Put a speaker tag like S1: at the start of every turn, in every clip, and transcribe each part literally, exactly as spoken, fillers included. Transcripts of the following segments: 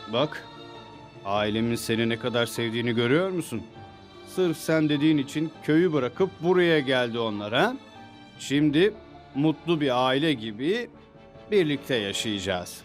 S1: Bak, ailemin seni ne kadar sevdiğini görüyor musun? Sırf sen dediğin için köyü bırakıp buraya geldi onlar ha? Şimdi mutlu bir aile gibi birlikte yaşayacağız.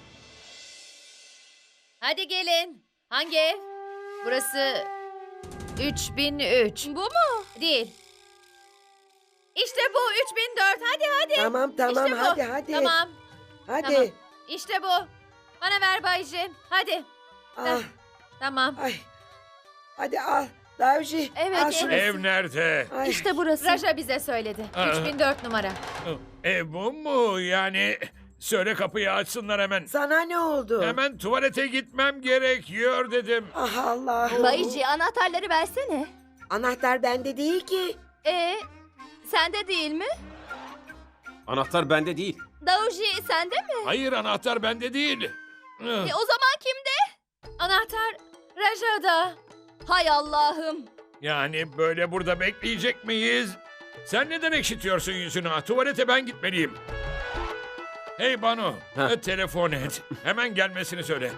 S2: Hadi gelin. Hangi ev? Burası üç bin üç.
S3: Bu mu?
S2: Değil. İşte bu üç bin dört. Hadi hadi.
S4: Tamam tamam
S2: İşte bu.
S4: hadi hadi.
S2: Tamam.
S4: Hadi.
S2: Tamam. İşte bu. Bana ver Bayci. Hadi.
S4: Ah,
S2: Tamam.
S4: ay. Hadi al. Davji.
S3: Evet,
S4: al şunu.
S3: evet.
S5: Ev nerede?
S4: Ay.
S3: İşte burası.
S2: Raja bize söyledi.
S5: Aa.
S2: üç bin dört numara.
S5: Ev bu mu? Yani söyle kapıyı açsınlar hemen.
S4: Sana ne oldu?
S5: Hemen tuvalete gitmem gerekiyor dedim.
S4: Ah Allah'ım.
S3: Bayıcı anahtarları versene.
S4: Anahtar bende değil ki.
S3: Ee, sende değil mi?
S6: Anahtar bende değil.
S3: Dauji sende mi?
S5: Hayır, anahtar bende değil.
S3: E, o zaman kimde?
S2: Anahtar Raja'da.
S3: Hay Allah'ım.
S5: Yani böyle burada bekleyecek miyiz? Sen neden ekşitiyorsun yüzünü? Ha, tuvalete ben gitmeliyim. Hey Banu,
S6: Heh.
S5: e, telefon et. Hemen gelmesini söyle.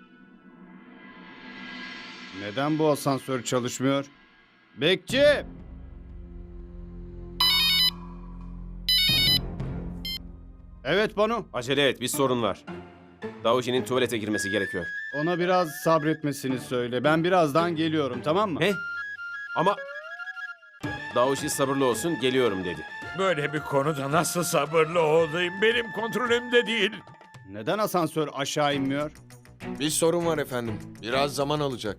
S1: Neden bu asansör çalışmıyor? Bekçi! Evet Banu,
S6: Acele et, bir sorun var. Davuji'nin tuvalete girmesi gerekiyor.
S1: ona biraz sabretmesini söyle. Ben birazdan geliyorum, tamam mı?
S6: Ne? Ama Davuji sabırlı olsun, geliyorum dedi.
S5: Böyle bir konuda nasıl sabırlı olayım? Benim kontrolümde değil.
S1: Neden asansör aşağı inmiyor?
S7: Bir sorun var efendim. Biraz zaman alacak.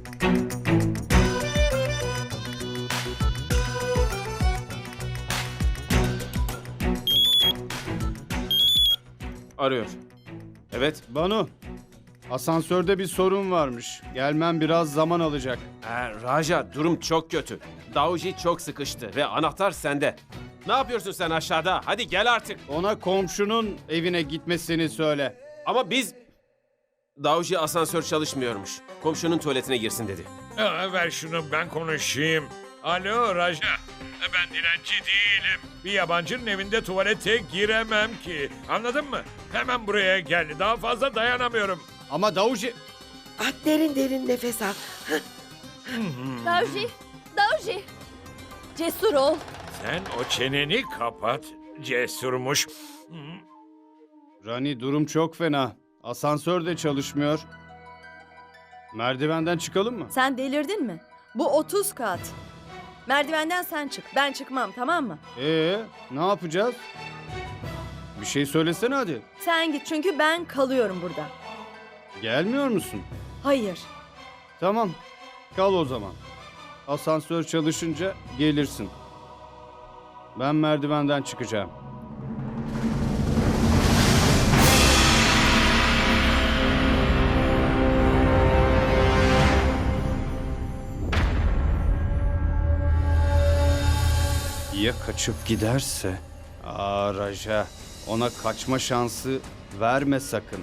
S6: Arıyor. Evet.
S1: Banu, asansörde bir sorun varmış. Gelmem biraz zaman alacak.
S6: Ee, Raja, durum çok kötü. Davuji çok sıkıştı ve anahtar sende. Ne yapıyorsun sen aşağıda? Hadi gel artık.
S1: Ona komşunun evine gitmesini söyle.
S6: Ama biz... Davuji asansör çalışmıyormuş. Komşunun tuvaletine girsin dedi.
S5: Aa, ver şunu, ben konuşayım. Alo Raja. E, Ben dilenci değilim. Bir yabancının evinde tuvalete giremem ki. Anladın mı? Hemen buraya gel. Daha fazla dayanamıyorum.
S1: Ama Davuji...
S4: Ah, derin derin nefes al.
S3: Dauji, Dauji. Cesur ol.
S5: Sen o çeneni kapat. Cesurmuş. Hı.
S1: Rani, durum çok fena. Asansör de çalışmıyor. Merdivenden çıkalım mı?
S8: Sen delirdin mi? Bu otuz kat. Merdivenden sen çık. Ben çıkmam, tamam mı?
S1: Ee, ne yapacağız? Bir şey söylesene hadi.
S8: Sen git çünkü ben kalıyorum burada.
S1: Gelmiyor musun?
S8: Hayır.
S1: Tamam, kal o zaman. Asansör çalışınca gelirsin. Ben merdivenden çıkacağım. Ya kaçıp giderse? Aa Raja, ona kaçma şansı verme sakın.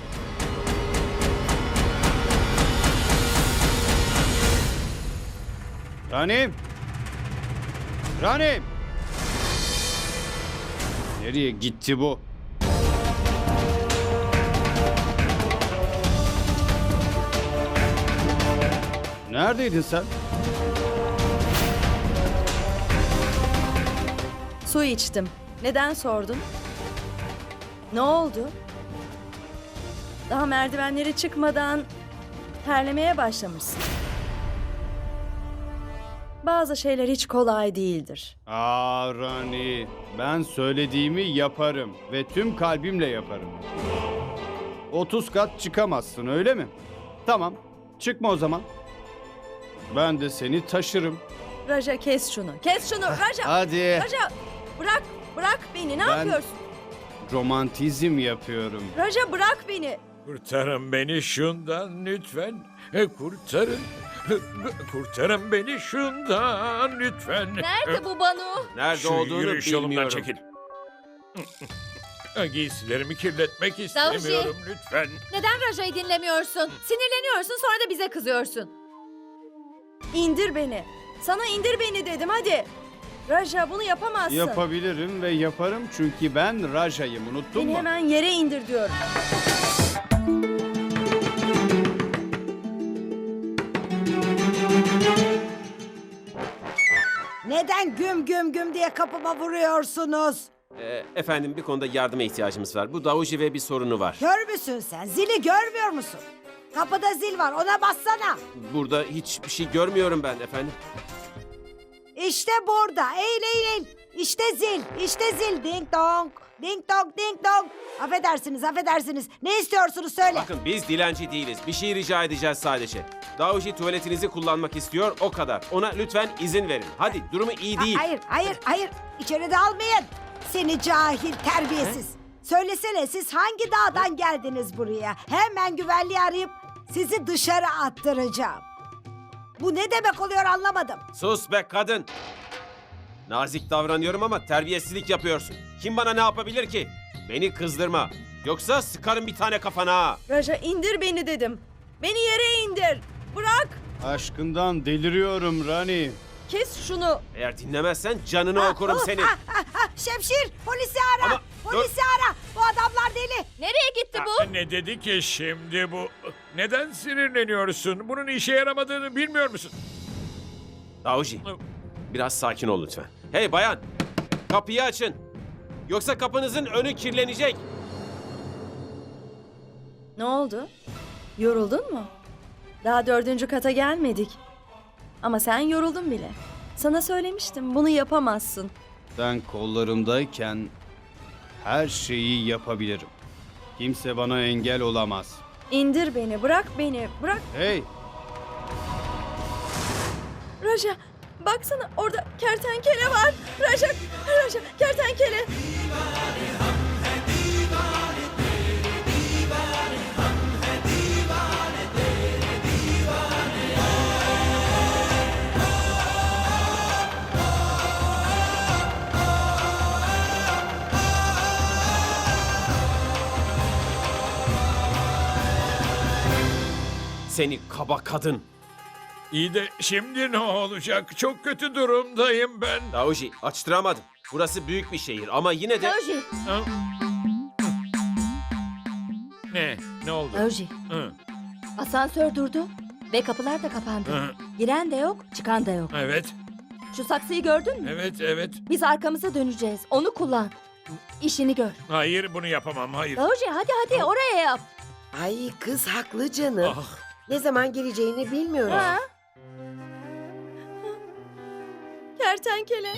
S1: Rani! Rani! Nereye gitti bu? Neredeydin sen?
S8: Su içtim. Neden sordun? Ne oldu? Daha merdivenleri çıkmadan terlemeye başlamışsın. Bazı şeyler hiç kolay değildir.
S1: Aa Rani, ben söylediğimi yaparım ve tüm kalbimle yaparım. otuz kat çıkamazsın, öyle mi? Tamam, çıkma o zaman. Ben de seni taşırım.
S8: Raja kes şunu. Kes şunu Raja.
S1: Hadi.
S8: Raja bırak. Bırak beni. Ne
S1: Ben-
S8: yapıyorsun?
S1: Romantizm yapıyorum.
S8: Raja bırak beni.
S5: Kurtarın beni şundan lütfen. E, kurtarın. Kurtarın beni şundan lütfen.
S3: Nerede bu Banu?
S6: Nerede
S5: Şu
S6: olduğunu
S5: yürüyüş yolumdan
S6: bilmiyorum.
S5: çekil. Giysilerimi kirletmek istemiyorum lütfen.
S2: Neden Raja'yı dinlemiyorsun? Sinirleniyorsun, sonra da bize kızıyorsun.
S8: İndir beni. Sana indir beni dedim hadi. Raja bunu yapamazsın.
S1: Yapabilirim ve yaparım çünkü ben Raja'yım, unuttun
S8: Beni
S1: mu?
S8: hemen yere indir diyorum.
S9: Neden güm güm güm diye kapıma vuruyorsunuz?
S6: Ee, efendim bir konuda yardıma ihtiyacımız var. Bu Davuji ve bir sorunu var.
S9: Kör müsün sen? Zili görmüyor musun? Kapıda zil var, ona bassana.
S6: Burada hiçbir şey görmüyorum ben efendim.
S9: İşte burada. Eğil eğil eğil. İşte zil. İşte zil. Ding dong. Ding dong ding dong. Affedersiniz affedersiniz. Ne istiyorsunuz söyle.
S6: Bakın biz dilenci değiliz. Bir şey rica edeceğiz sadece. Davuji tuvaletinizi kullanmak istiyor o kadar. Ona lütfen izin verin. Hadi durumu iyi
S9: Ha-
S6: değil.
S9: Hayır hayır hayır. İçeri almayın. Seni cahil terbiyesiz. Söylesene siz hangi dağdan geldiniz buraya? Hemen güvenliği arayıp sizi dışarı attıracağım. Bu ne demek oluyor anlamadım.
S6: Sus be kadın. Nazik davranıyorum ama terbiyesizlik yapıyorsun. Kim bana ne yapabilir ki? Beni kızdırma. Yoksa sıkarım bir tane kafana. ha.
S8: Raja indir beni dedim. Beni yere indir. Bırak.
S1: Aşkından deliriyorum Rani.
S8: Kes şunu.
S6: Eğer dinlemezsen canını
S9: Ah,
S6: okurum
S9: oh,
S6: senin.
S9: ah, ah, ah, Şemşir polisi ara.
S6: Ama
S9: polisi ara. Bu adamlar deli.
S2: Nereye gitti bu?
S5: Ne dedi ki şimdi bu? Neden sinirleniyorsun? Bunun işe yaramadığını bilmiyor musun?
S6: Davuji, biraz sakin ol lütfen. Hey bayan, kapıyı açın. Yoksa kapınızın önü kirlenecek.
S8: Ne oldu? Yoruldun mu? Daha dördüncü kata gelmedik. Ama sen yoruldun bile. Sana söylemiştim bunu yapamazsın.
S1: Ben kollarımdayken her şeyi yapabilirim. Kimse bana engel olamaz.
S8: İndir beni, bırak beni, bırak.
S1: Hey,
S8: Raja, baksana orada kertenkele var. Raja, Raja, kertenkele.
S6: Seni kaba kadın.
S5: İyi de şimdi ne olacak? Çok kötü durumdayım ben.
S6: Davuji, açtıramadım. Burası büyük bir şehir ama yine de...
S2: Daoji,
S5: Ha? Ne? Ne oldu?
S2: Daoji.
S5: Hı,
S2: Asansör durdu ve kapılar da kapandı.
S5: hı.
S2: Giren de yok, çıkan da yok.
S5: Evet,
S2: Şu saksıyı gördün mü?
S5: evet, evet.
S2: Biz arkamıza döneceğiz. Onu kullan. İşini gör.
S5: Hayır, bunu yapamam, hayır.
S2: Daoji hadi hadi oraya yap.
S4: Ay kız haklı canım.
S5: Ah,
S4: Ne zaman geleceğini bilmiyoruz.
S2: Ha?
S8: Kertenkele.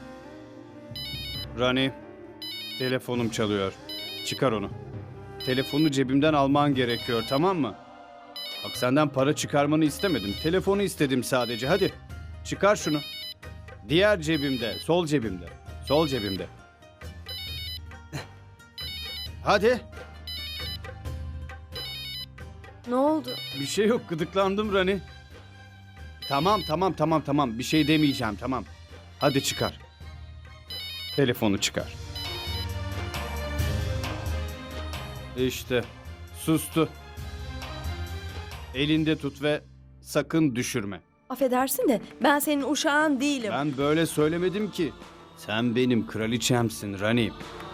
S1: Rani, telefonum çalıyor. Çıkar onu. Telefonu cebimden alman gerekiyor, tamam mı? Bak senden para çıkarmanı istemedim. Telefonu istedim sadece. Hadi çıkar şunu. Diğer cebimde, sol cebimde. Sol cebimde. Hadi.
S8: Ne oldu?
S1: Bir şey yok, gıdıklandım Rani. Tamam, tamam, tamam, tamam. Bir şey demeyeceğim, tamam. Hadi çıkar. Telefonu çıkar. İşte, sustu. Elinde tut ve sakın düşürme.
S8: Affedersin de ben senin uşağın değilim.
S1: Ben böyle söylemedim ki. Sen benim kraliçemsin Rani.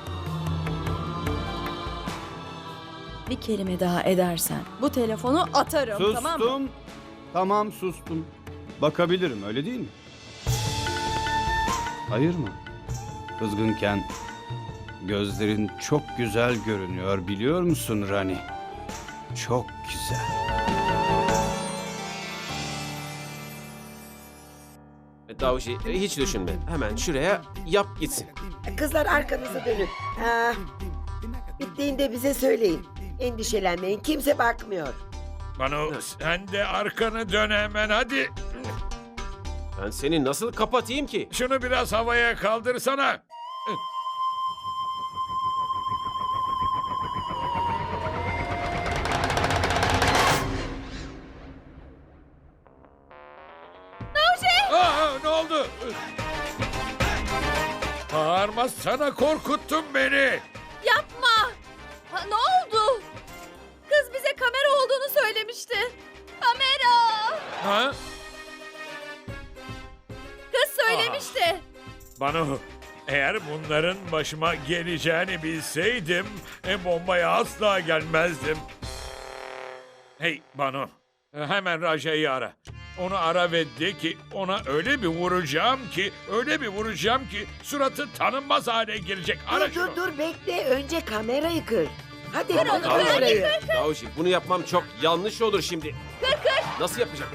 S8: Bir kelime daha edersen bu telefonu atarım,
S1: Sustum.
S8: tamam mı?
S1: Tamam, sustum. Bakabilirim, öyle değil mi? Hayır mı? Kızgınken gözlerin çok güzel görünüyor, biliyor musun Rani? Çok güzel.
S6: Davuji, hiç düşünme. Hemen şuraya yap gitsin.
S4: Kızlar arkanızı dönün. Ha, bittiğinde bize söyleyin. Endişelenmeyin, kimse bakmıyor.
S5: Banu, sen de arkanı dön hemen, hadi.
S6: Ben seni nasıl kapatayım ki?
S5: Şunu biraz havaya kaldırsana. Aa, ne oldu? Bağırma, sana korkuttun beni.
S3: Yapma. Ha, ne oldu? Kız bize kamera olduğunu söylemişti. Kamera.
S5: Ha?
S3: Kız söylemişti.
S5: Banu, eğer bunların başıma geleceğini bilseydim, e, bombaya asla gelmezdim. Hey Banu, hemen Raja'yı ara. Onu ara ve de ki ona öyle bir vuracağım ki, öyle bir vuracağım ki suratı tanınmaz hale gelecek. Ara
S4: Dur
S5: şunu.
S4: dur dur bekle. Önce kamerayı kır. Hadi kır
S5: onu, kır,
S4: kamerayı.
S6: Davuji bunu yapmam çok yanlış olur şimdi. Kır kır. Nasıl yapacağım?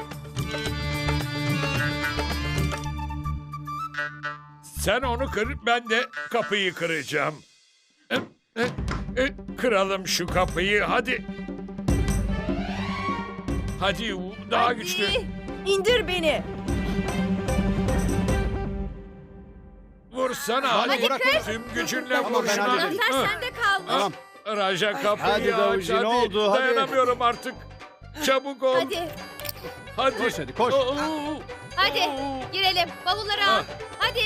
S5: Sen onu kır, ben de kapıyı kıracağım. E, e, e, Kıralım şu kapıyı, hadi. Hadi daha
S3: Hadi.
S5: güçlü.
S8: İndir beni.
S5: Vursana hadi.
S1: Hadi kır.
S5: Tüm gücünle
S1: Tamam,
S5: vur
S1: ben
S5: şuna.
S1: hallederim.
S3: Zafer
S5: Hı.
S3: sende kalmış.
S1: Tamam.
S5: Raja kapıyı
S1: Hadi
S5: aç
S1: Davuji, ne
S5: hadi.
S1: oldu? Hadi.
S5: Dayanamıyorum artık. Çabuk ol.
S2: Hadi,
S5: Hadi.
S1: Koş hadi, koş.
S5: Oo, oo,
S2: hadi.
S5: oo.
S2: Girelim. Bavulları al.
S5: Ha.
S2: Hadi.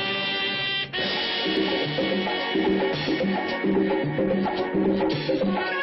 S10: Thank you.